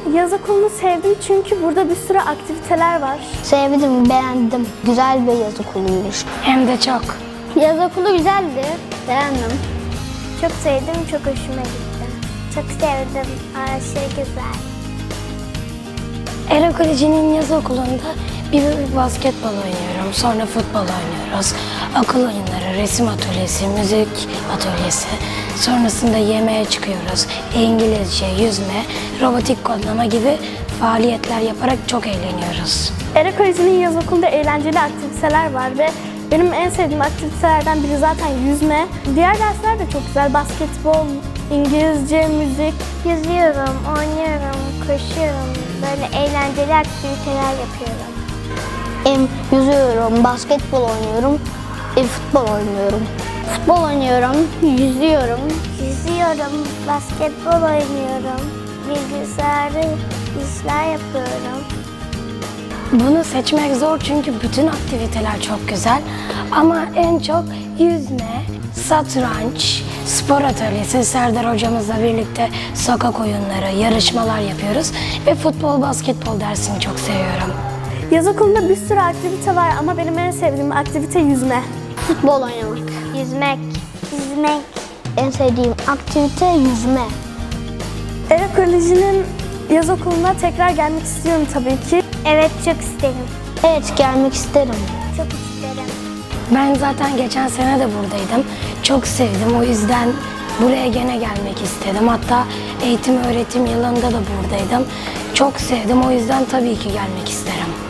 Yaz okulunu sevdim çünkü burada bir sürü aktiviteler var. Sevdim, beğendim. Güzel bir yaz okuluymuş. Hem de çok. Yaz okulu güzeldi, beğendim. Çok sevdim, çok hoşuma gitti. Çok sevdim, aşırı güzel. Era Koleji'nin yaz okulunda bir basketbol oynuyorum, sonra futbol oynuyoruz. Akıl oyunları, resim atölyesi, müzik atölyesi. Sonrasında yemeğe çıkıyoruz. İngilizce, yüzme, robotik kodlama gibi faaliyetler yaparak çok eğleniyoruz. Era Koleji'nin yaz okulunda eğlenceli aktiviteler var ve benim en sevdiğim aktivitelerden biri zaten yüzme. Diğer dersler de çok güzel. Basketbol, İngilizce, müzik. Yüzüyorum, oynuyorum, koşuyorum. Böyle eğlenceli aktiviteler yapıyorum. Yüzüyorum, basketbol oynuyorum, futbol oynuyorum. Futbol oynuyorum, yüzüyorum. Yüzüyorum, basketbol oynuyorum. Bilgisayarda işler yapıyorum. Bunu seçmek zor çünkü bütün aktiviteler çok güzel. Ama en çok yüzme, satranç, spor atölyesi, Serdar hocamızla birlikte sokak oyunları, yarışmalar yapıyoruz. Ve futbol, basketbol dersini çok seviyorum. Yaz okulunda bir sürü aktivite var ama benim en sevdiğim aktivite yüzme. Futbol oynamak. Yüzmek, yüzmek. En sevdiğim aktivite yüzme. Era Koleji'nin yaz okuluna tekrar gelmek istiyorum tabii ki. Evet, çok isterim. Evet, gelmek isterim. Çok isterim. Ben zaten geçen sene de buradaydım. Çok sevdim. O yüzden buraya gene gelmek istedim. Hatta eğitim öğretim yılında da buradaydım. Çok sevdim. O yüzden tabii ki gelmek isterim.